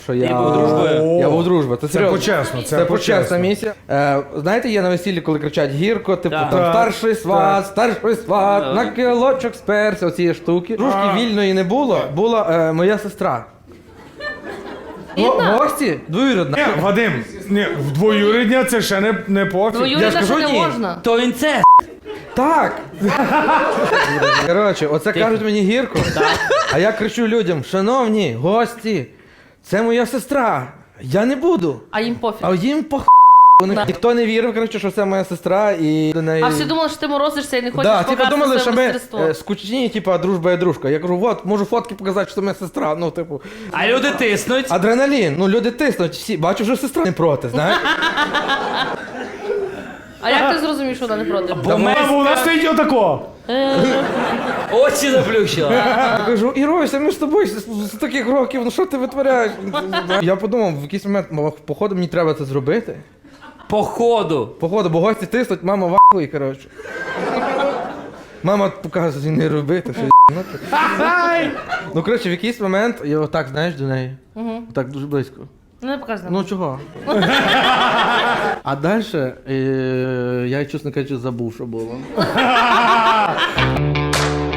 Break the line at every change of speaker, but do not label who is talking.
Що я
був дружбою?
Я був дружбою. Це серйозно.
почесно,
Це почесна місія. Знаєте, є на весіллі, коли кричать гірко, типу
Так.
там
Так.
старший сват,
Так.
на кілочок сперся, оці штуки. Дружки вільної не було, була моя сестра. Гості двоюрідна.
Ні, Вадим, ні, в двоюрідня це ще не пофіг.
Я ж
Двоюрідна
кажу,
ще не
ні.
можна.
То він це.
Так. Коротше, оце кажуть мені гірко. А я кричу людям: шановні гості, це моя сестра. Я не буду.
А їм пофіг.
А їм ніхто не вірив, коротше, що це моя сестра і до неї.
А всі думали, що ти морозишся і не хочеш
Да, типу
показати
думали, що
своє
ми
мастерство.
скучні, типу, дружба і дружка. Я кажу, от, можу фотки показати, що це моя сестра. Ну, типу,
А люди тиснуть.
адреналін, ну люди тиснуть, всі, бачу, вже сестра не проти, знаєш?
А як ти зрозумів, що вона не проти?
Бо ми
Бо вона стоїть отако.
очі заплющила.
Я кажу, Ірося, ми з тобою з таких років, ну що ти витворяєш? Я подумав, в якийсь момент, походу, мені треба це зробити.
Походу.
Походу, бо гості тиснуть, мама вахує, коротше. Мама показує, не робити, що ну, коротше, в якийсь момент я отак, знаєш, до неї. Так дуже близько.
Не показуй.
Ну чого? А далі я, чесно кажучи, забув, що було.